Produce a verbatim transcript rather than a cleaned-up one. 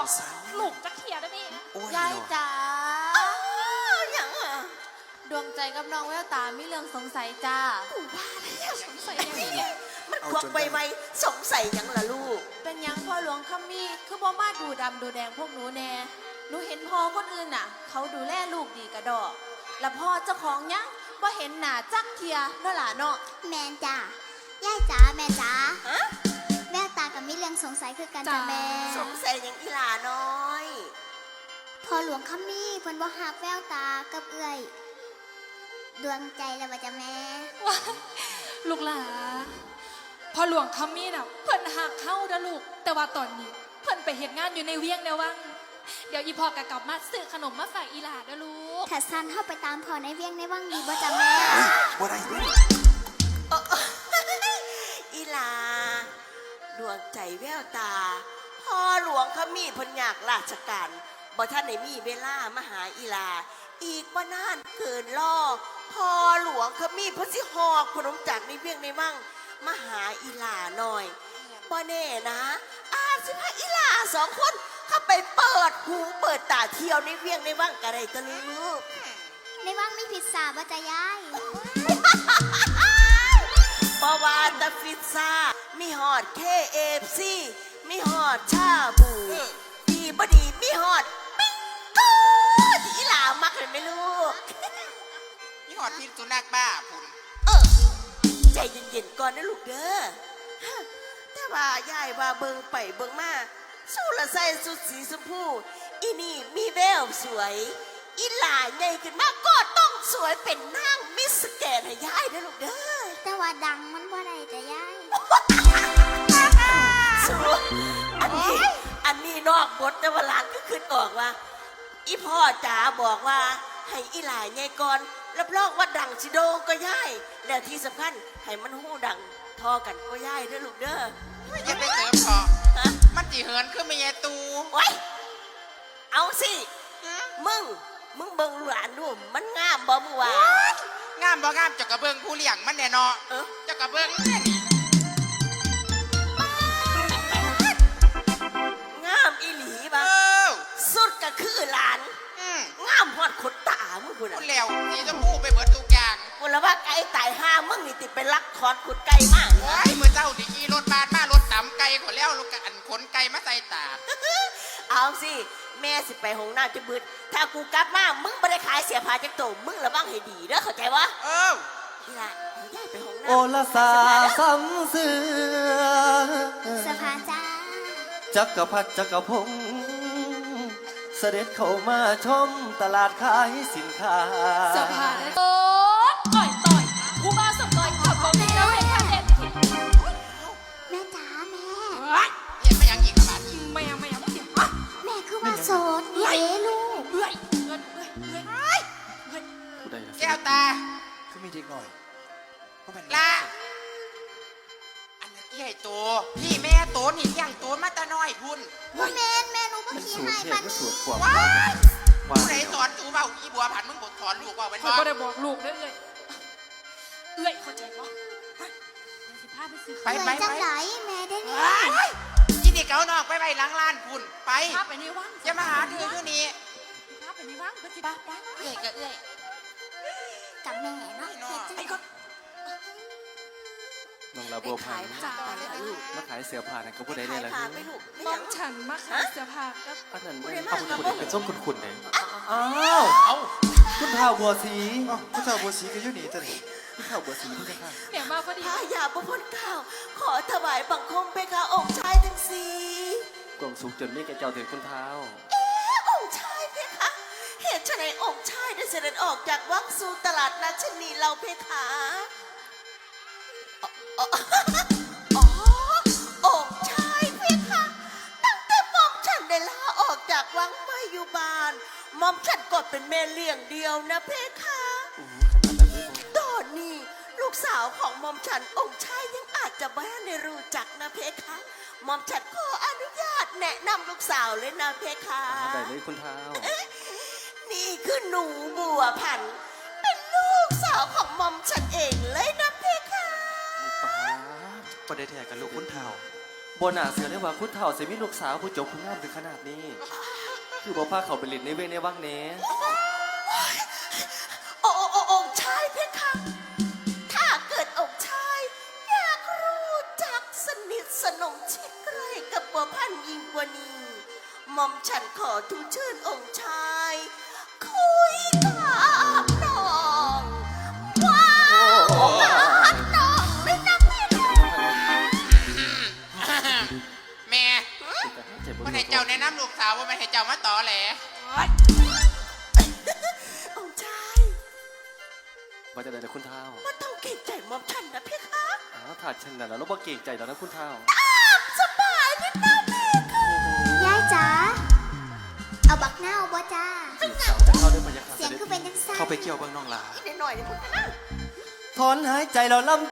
ลูกจะเขียได้ไหมยายจ๋าอย่างอ่ะดวงใจกับน้องแววตามีเรื่องสงสัยจ้ากูว่าแล้วสงสัยอย่างนี้มันควักไปไหมสงสัยยังล่ะลูกเป็นยังพ่อหลวงคำมีคือบ่มาดูดำดูแดงพวกหนูแน่หนูเห็นพ่อคนอื่นน่ะเขาดูแลลูกดีกระดอกแล้วพ่อเจ้าของยังบ่เห็นหน้าจักเทียเนาะล่ะเนาะแมนจ้าย่ายจ๋าแม่จ๋าแววตากับมิเรื่องสงสัยคือกันจ้าแม่สงสัยยังอีหลาน้อยพอหลวงคำมีเพิ่นบ่ฮักแววตากับเอื้อยดวงใจแล้วว่าจ้าแม่ลูกหลาพอหลวงคำมีน่ะเพิ่นหักเข้าเด้อลูกแต่ว่าตอนนี้เพิ่นไปเฮ็ดงานอยู่ในเวียงแนววังเดี๋ยวอีพ่อกะกลับมาซื้อขนมมาฝากอีหลาเด้อลูกถ้าซันเฮาไปตามพ่อในเวียงในวังดีบ่จ้าแม่บ่ได้ด้วยอีหลาดวงใจแววตาพ่อหลวงเขามีเพิ่นอยากราชการบ่ท่านได้มีเวลามาหาอีหลาอีกบ่นานเกินล่อพ่อหลวงเขามีเพิ่นสิหอบขนมจากในเวียงในวังมาหาอีหลาหน่อยบ่แน่นะอาจสิพาอีหลาสองคนเข้าไปเปิดหูเปิดตาเที่ยวในเวียงในวังก็ได้ตะลูกในวังมีพิซซ่าบ่จ้ายายบาวาตาฟิซซ่ามีฮอด เค เอฟ ซี มีฮอดชาบูดีบดีมีฮอดปิ้งกูที่อีหลามักเลยไหมลูกมีฮอดพิษสุนัขบ้าพุ่นเออใจเย็นๆก่อนนะลูกเด้อแต่ว่ายายว่าเบิงไปเบิงมาสู้ละใส่สุดสีชมพูอีนี่มีแววสวยอีหลาใหญ่ขึ้นมากก็ต้องสวยเป็นนางมิสแกรนด์ให้ยายนะลูกเด้อแต่ว่าดังมันบ่ได้จ้ายายสวยอันนี้อันนี้นอกบทแต่ว่าหลานก็ขึ้นออกว่าอีพ่อจ๋าบอกว่าให้อีหลาใหญ่ก่อนรับรองว่าดังสิโดก็ยายแล้วที่สำคัญให้มันหูดังทอกันก็ยายเด้อลูกเด้ออย่าไปเสริมพอมันจีเหินขึ้นไม่ยตูไว้เอาสิมึงมึงเบิ่งหลานดูมันงามบ่มึงว่างามบ่งามเจ้ากระเบื้องผู้เลี้ยงมันแน่นอนเจ้ากระเบื้องงามอีหลีบ่สุดก็คือหลานงามฮอดขนตามึงพุ่นน่ะแล้วสีชมพูไปเบิดทุกอย่างกูละว่าไก่ตายห้ามึงนี่ติดไปลักถอนขนไก่มากเฮ้ยมือเจ้าที่ขี่รถบานมารถตำไก่ขอแล้วลูกอันขนไก่มาใส่ตาเอาสิแม่สิไปห้องน้ำจะบึดถ้ากูกลับมามึงไม่ได้ขายเสียผ้าจักโตมึงระวังให้ดีเด้อเข้าใจวะเออนี่ล่ะย้ายไปห้องน้ำโอละสาซ้ำเสือสภาจ้าจักรพรรดิจักรพงศ์เสด็จเข้ามาชมตลาดขายสินค้าสภาโอ้ต่อยต่อยผู้มาสต่อยขับบอกดีแล้วเห็นค่ะเด็ดแม่จ๋าแม่เห็นไม่ยังอีกขนาดนี้ไม่ยังไม่ยังไม่เสียแม่คือว่าโสดเอ๋ลูกเอ้ยเอ้ยเอ้ยเอ้ยเอ้ยแก้วตาคือมีเด็กหน่อยละอันนี้ใหญ่โตพี่แม่โตนี่ยังโตมาตาน้อยพุ่นแม่แม่หนูก็ขี้ให้ปันว้าผู้ใดสอนตูเบาอีบัวผันมึงบทสอนลูกว่าเป็นว่าเขาได้บอกลูกได้เลยเอ้ยเข้าใจปะไปไปจังไหนแม่ได้นี่ยี่นี่เกาหนอกไปไปล้างล้านพุ่นไปไปในวังจะมาหาเธออยู่นี่ไปในวังก็จะป้าป้าเอ้ยก็เอ้ยกับแม่เนาะไอ้ก็น้องลาบัวพันมาขายเสื้อผ้าเนี่ยก็พูดได้เลยละน้องฉันมาขายเสื้อผ้าก็อันนั้นเอาคุณคุณเป็นส้มคุณคุณเลยอ้าวคุณท้าวบัวสีคุณท้าวบัวสีก็อยู่นี่จ้ะนี่คุณท้าวบัวสีพี่ค่ะเนี่ยมาพอดีพระยาบุพข้าวขอถวายบังคมเพคะองค์ชายทั้งสี่กล่องสุกจนไม่แกเจ้าถึงคุณท้าวเอ๊ะองค์ชายเพคะเหตุไฉนองค์ชายได้เสด็จออกจากวังสู่ตลาดนัดชนีเราเพคะอ๋อองค์ชายเพคะตั้งแต่หม่อมฉันได้ลาออกจากวังมาอยู่บ้านหม่อมฉันก็เป็นแม่เลี้ยงเดียวนะเพคะตอนนี้ลูกสาวของหม่อมฉันองค์ชายยังอาจจะไม่ได้รู้จักนะเพคะหม่อมฉันขออนุญาตแนะนำลูกสาวเลยนะเพคะได้เลยคุณท้าวนี่คือหนูบัวพันธุ์เป็นลูกสาวของหม่อมฉันเองเลยนะเพคะป้าประเดี๋ยวแทกันลูกคุณท้าวบนหนาเสือได้ว่าคุณเฒ่าเสมีลูกสาวผู้จบผู้งามถึงขนาดนี้ คือบ่พาเขาไปเล่นในเวงในวังเน่โอ้โอ้โอ้องค์ชายเพคะ ถ้าเกิดองค์ชาย อยากรู้จักสนิทสนมชิดใกล้กับบัวพันธุ์ยิ่งกว่านี้หม่อมฉันขอทูลเชิญองค์ชาย คุยกับน้องว้าวกับน้องไม่นับเพคะแม่คนให้เจ้าแนะนำลูกสาวว่าไม่ให้เจ้ามาต่อแหละองค์ชายว่าจะได้แต่คุณเฒ่าว่าต้องเก่งใจหม่อมฉันนะเพคะอ้าวถ้าฉันน่ะแล้วเราบ่เก่งใจแล้วนะคุณเฒ่าสบายนิดนะเพคะยายจ๋าเอาบักเน่าบ่จ้าจีบสาวจะเข้าได้บรรยากาศเสียงคือเป็นจังซั่นเข้าไปเกี่ยวเบิ่งน้องหลานิดหน่อยนี่พูดกันนะถอนหายใจเราล่ำ